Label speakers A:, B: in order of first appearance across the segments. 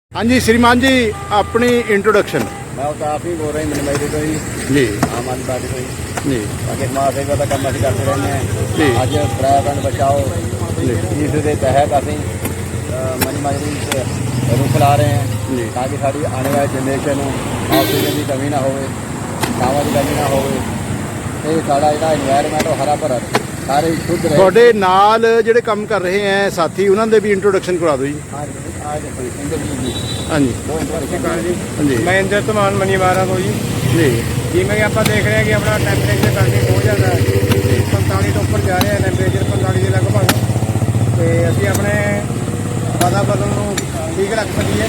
A: हाँ जी श्रीमान जी अपनी इंट्रोडक्शन।
B: मैं आप ही बोल रहे हैं मिलवाई तो
A: जी
B: आम आदमी पार्टी को ही
A: जी
B: बाकी समाज सेवा का काम असं करते रहने
A: जी।
B: हैं। अज पर्यावरण बचाओ इस के तहत असी मनी माजरी रुख ला रहे हैं
A: जी।
B: ताकि साड़ी आने वाली जनरेशन ऑक्सीजन की कमी ना हो, छावां की कमी ना हो, साड़ा जो इन्वायरमेंट हरा भरा सारे शुद्ध रहे।
A: ਤੁਹਾਡੇ ਨਾਲ ਜਿਹੜੇ ਕੰਮ ਕਰ ਰਹੇ ਹੈ ਸਾਥੀ ਉਹਨਾਂ ਦੇ ਵੀ ਇੰਟਰੋਡਕਸ਼ਨ ਕਰਾ ਦਿਓ ਜੀ।
B: हाँ जी आज इंद्रजीत जी
A: ਹਾਂਜੀ
B: दो इंट्रोडक्शन जी।
A: ਹਾਂਜੀ
C: मैं इंद्र धमान मनीवारा को जी
A: ਜੀ
C: जिमें कि आप देख रहे हैं कि अपना टैंपरेचर करके बहुत ज़्यादा 45 तो उपर जा रहा है, टैंपरेचर 45 के लगभग। तो असी अपने वातावरण को ठीक रख सकीए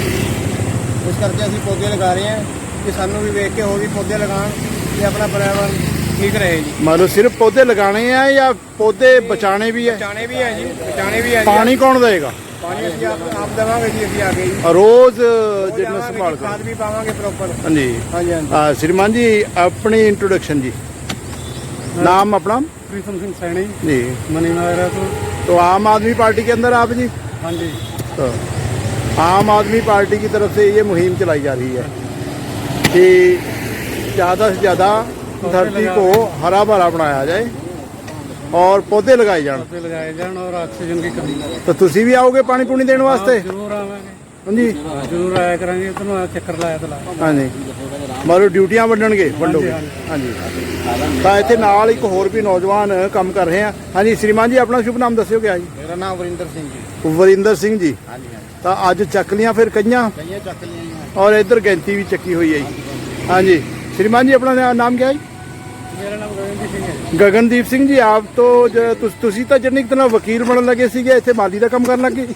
C: इस करके असी पौधे लगा रहे हैं कि सानू भी वेख के हो भी पौधे लगान कि अपना पर्यावरण ठीक रहे जी।
A: मान लो सिर्फ पौधे लगाने हैं या पौधे बचाने भी है?
C: बचाने भी है जी, बचाने भी है जी।
A: पानी कौन देगा?
C: पानी असी आप देवांगे जी, अभी आगे जी
A: रोज
C: वो
A: जितना
C: देवांगे
A: संभाल
C: जी,
A: कर।
C: खाद भी पावांगे प्रॉपर।
A: हाँ जी
C: हाँ जी हाँ जी।
A: श्रीमान जी अपनी इंट्रोडक्शन जी, नाम अपना
C: कृष्ण सिंह सैनी
A: जी।
C: मनीवारा
A: तो आम आदमी पार्टी के अंदर आप जी?
C: हाँ जी।
A: तो आम आदमी पार्टी की तरफ से ये मुहिम चलाई जा रही है कि ज़्यादा से ज़्यादा धरती को हरा भरा बनाया जाए और पौधे लगाए जाए।
C: पौधे लगाए जान और ऑक्सीजन की कमी
A: तो तुसी भी आओगे पानी पूनी देने वास्ते?
C: जरूर आवांगे,
A: हाँ जी
C: जरूर आया करेंगे। ਤੁਹਾਨੂੰ ਚੱਕਰ ਲਾਇਆ ਤਾਂ ਲਾ।
A: हाँ जी ਮਾਰੋ ਡਿਊਟੀਆਂ ਵੰਡਣਗੇ ਵੰਡੋਗੇ। हाँ जी ਤਾਂ ਇੱਥੇ ਨਾਲ ਇੱਕ ਹੋਰ ਵੀ ਨੌਜਵਾਨ ਕੰਮ ਕਰ ਰਹੇ ਆ। ਹਾਂਜੀ श्रीमान जी ਆਪਣਾ ਸ਼ੁਭ ਨਾਮ ਦੱਸਿਓ ਕਿਆ ਜੀ?
B: मेरा नाम वरिंदर सिंह जी।
A: ਵਰਿੰਦਰ ਸਿੰਘ ਜੀ।
B: हाँ जी हाँ जी।
A: ਤਾਂ ਅੱਜ ਚੱਕ ਲੀਆਂ ਫਿਰ ਕਈਆਂ
B: कहीं चक लिया जी।
A: ਔਰ ਇੱਧਰ ਗਿਣਤੀ ਵੀ ਚੱਕੀ ਹੋਈ ਹੈ ਜੀ। ਹਾਂਜੀ श्रीमान जी अपना नाम क्या है?
C: ਮੇਰਾ ਨਾਮ ਗਗਨਦੀਪ ਸਿੰਘ ਹੈ।
A: ਗਗਨਦੀਪ ਸਿੰਘ ਜੀ ਆਪ ਤੋਂ ਤੁਸੀਂ ਤਾਂ ਜਰਨੀ ਕਿਤਨਾ ਵਕੀਲ ਬਣਨ ਲੱਗੇ ਸੀਗੇ, ਇੱਥੇ ਮਾਲੀ ਦਾ ਕੰਮ ਕਰਨ ਲੱਗੇ।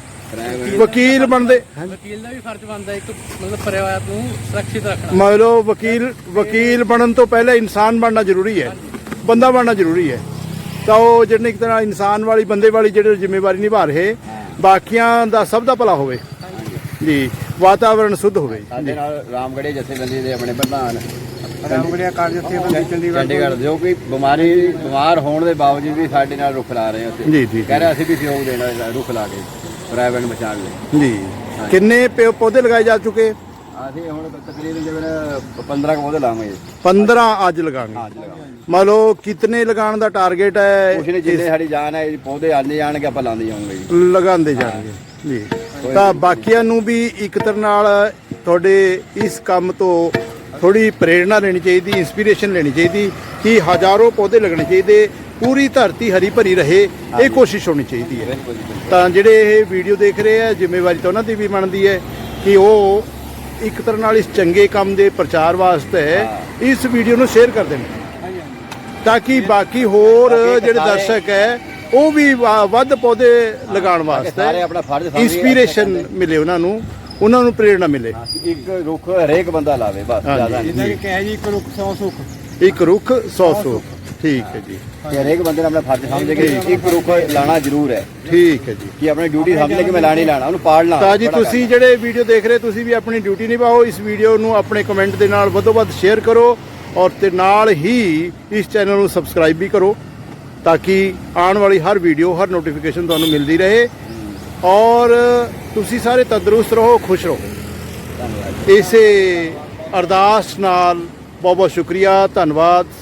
A: ਵਕੀਲ ਬਣਦੇ
C: ਵਕੀਲ ਦਾ ਵੀ ਫਰਜ਼ ਬਣਦਾ ਇੱਕ ਮਤਲਬ ਪਰਿਵਾਰ ਨੂੰ ਸੁਰੱਖਿਅਤ ਰੱਖਣਾ।
A: ਮੰਨ ਲਓ ਵਕੀਲ ਬਣਨ ਤੋਂ ਪਹਿਲਾਂ ਇਨਸਾਨ ਬਣਨਾ ਜ਼ਰੂਰੀ ਹੈ, ਬੰਦਾ ਬਣਨਾ ਜ਼ਰੂਰੀ ਹੈ। ਤਾਂ ਉਹ ਜਿਹੜੇ ਇੱਕ ਤਰ੍ਹਾਂ ਇਨਸਾਨ ਵਾਲੀ ਬੰਦੇ ਵਾਲੀ ਜਿਹੜੇ ਜ਼ਿੰਮੇਵਾਰੀ ਨਿਭਾ ਰਹੇ, ਬਾਕੀਆਂ ਦਾ ਸਭ ਦਾ ਭਲਾ ਹੋਵੇ ਜੀ, ਵਾਤਾਵਰਣ ਸ਼ੁੱਧ ਹੋਵੇ
B: ਸਾਡੇ ਨਾਲ ਰਾਮਗੜ੍ਹੇ ਜਥੇਬੰਦੀ ਦੇ ਆਪਣੇ ਪ੍ਰਧਾਨ
C: ਰਾਮਗੜ੍ਹੀਆ ਕਾਰਜ ਜਥੇਬੰਦੀ
B: ਚੰਡੀਗੜ੍ਹ ਜੋ ਕਿ ਬਿਮਾਰ ਹੋਣ ਦੇ ਬਾਵਜੂਦ ਵੀ ਸਾਡੇ ਨਾਲ ਰੁੱਖ ਲਾ ਰਹੇ ਉੱਥੇ।
A: ਜੀ ਜੀ
B: ਕਹਿ ਰਹੇ ਅਸੀਂ ਵੀ ਸਹਿਯੋਗ ਦੇਣਾ ਰੁੱਖ ਲਾ ਕੇ ਪਰਿਆਵਰਣ ਬਚਾਉਣ ਲਈ।
A: ਜੀ। ਕਿੰਨੇ ਪੌਦੇ ਲਗਾਏ ਜਾ ਚੁੱਕੇ?
B: ਅਸੀਂ ਹੁਣ ਤਕਰੀਬਨ ਜਿਵੇਂ 15 ਪੌਦੇ ਲਾਵਾਂਗੇ।
A: 15 ਅੱਜ ਲਗਾਣੇ।
B: ਹਾਂ ਲਗਾਵਾਂਗੇ।
A: ਮੰਨ ਲਓ ਕਿਤਨੇ ਲਗਾਉਣ ਦਾ ਟਾਰਗੇਟ ਹੈ?
B: ਕੁਛ ਨਹੀਂ, ਜਿੰਨੇ ਸਾਡੀ ਜਾਨ ਹੈ ਪੌਦੇ ਆਉਂਦੇ ਜਾਣਗੇ ਆਪਾਂ ਲਾਉਂਦੇ ਜਾਵਾਂਗੇ ਜੀ।
A: ਲਗਾਉਂਦੇ ਜਾਣਗੇ ਜੀ। ਤਾਂ ਬਾਕੀਆਂ ਨੂੰ ਵੀ ਇੱਕ ਤਰ੍ਹਾਂ ਨਾਲ ਤੁਹਾਡੇ ਇਸ ਕੰਮ ਤੋਂ ਥੋੜੀ ਪ੍ਰੇਰਣਾ ਲੈਣੀ ਚਾਹੀਦੀ, ਇੰਸਪੀਰੇਸ਼ਨ ਲੈਣੀ ਚਾਹੀਦੀ ਕਿ ਹਜ਼ਾरों ਪੌਦੇ ਲੱਗਣੇ ਚਾਹੀਦੇ, ਪੂਰੀ ਧਰਤੀ ਹਰੀ ਭਰੀ ਰਹੇ, ਇਹ ਕੋਸ਼ਿਸ਼ ਹੋਣੀ ਚਾਹੀਦੀ ਹੈ।
B: ਬਿਲਕੁਲ ਜੀ ਬਿਲਕੁਲ।
A: ਤਾਂ ਜਿਹੜੇ ਇਹ ਵੀਡੀਓ ਦੇਖ ਰਹੇ ਆ ਜ਼ਿੰਮੇਵਾਰੀ ਤਾਂ ਉਹਨਾਂ ਦੀ ਵੀ ਬਣਦੀ ਹੈ ਕਿ ਉਹ ਇੱਕ ਤਰ੍ਹਾਂ ਨਾਲ ਇਸ ਚੰਗੇ ਕੰਮ ਦੇ ਪ੍ਰਚਾਰ ਵਾਸਤੇ ਇਸ ਵੀਡੀਓ ਨੂੰ ਸ਼ੇਅਰ ਕਰ ਦੇਣ ਤਾਂ ਕਿ ਬਾਕੀ ਹੋਰ ਜਿਹੜੇ ਦਰਸ਼ਕ ਹੈ ਉਹ ਵੀ ਵੱਧ ਪੌਦੇ ਲਗਾਉਣ
B: ਸਾਰੇ
A: ਵਾਸਤੇ
B: ਆਪਣਾ ਫਰਜ਼ ਸਮਝੀਏ।
A: ਇੰਸਪੀਰੇਸ਼ਨ ਮਿਲੇ, ਉਹਨਾਂ ਨੂੰ ਪ੍ਰੇਰਣਾ ਮਿਲੇ।
B: ਇੱਕ ਰੁੱਖ ਹਰੇਕ ਬੰਦਾ ਲਾਵੇ ਬਸ,
A: ਹਾਂਜੀ।
B: ਜ਼ਿਆਦਾ ਨਹੀਂ।
C: ਜਿੱਦਾਂ ਕਿ ਕਹੇ ਜੀ ਇੱਕ ਰੁੱਖ 100 ਸੁੱਖ।
A: ਇੱਕ ਰੁੱਖ 100 ਸੁੱਖ। ਠੀਕ ਹੈ ਜੀ,
B: ਕਿ ਹਰੇਕ ਬੰਦੇ ਨੇ ਆਪਣਾ ਫਰਜ਼ ਸਮਝ ਕੇ ਇੱਕ ਰੁੱਖ ਲਾਣਾ ਜ਼ਰੂਰ ਹੈ
A: ਠੀਕ ਹੈ ਜੀ।
B: ਕਿ ਆਪਣੀ ਡਿਊਟੀ ਸਮਝ ਕੇ ਮੈਂ ਲਾਣਾ ਹੀ ਲਾਣਾ, ਉਹਨੂੰ ਪਾਲਣਾ।
A: ਤਾਂ ਜੀ ਤੁਸੀਂ ਜਿਹੜੇ ਵੀਡੀਓ ਦੇਖ ਰਹੇ ਤੁਸੀਂ ਵੀ ਆਪਣੀ ਡਿਊਟੀ ਨਿਭਾਓ। ਇਸ ਵੀਡੀਓ ਨੂੰ ਆਪਣੇ ਕਮੈਂਟ ਦੇ ਨਾਲ ਵੱਧੋ ਵੱਧ ਸ਼ੇਅਰ ਕਰੋ ਔਰ ਤੇ ਨਾਲ ਹੀ ਇਸ ਚੈਨਲ ਨੂੰ ਸਬਸਕ੍ਰਾਈਬ ਵੀ ਕਰੋ ਤਾਂ ਕਿ ਆਉਣ ਵਾਲੀ ਹਰ ਵੀਡੀਓ ਹਰ ਨੋਟੀਫਿਕੇਸ਼ਨ ਤੁਹਾਨੂੰ ਮਿਲਦੀ ਰਹੇ ਔਰ ਤੁਸੀਂ ਸਾਰੇ ਤੰਦਰੁਸਤ ਰਹੋ, ਖੁਸ਼ ਰਹੋ।
B: ਧੰਨਵਾਦ।
A: ਇਸੇ ਅਰਦਾਸ ਨਾਲ ਬਹੁਤ ਬਹੁਤ ਸ਼ੁਕਰੀਆ, ਧੰਨਵਾਦ।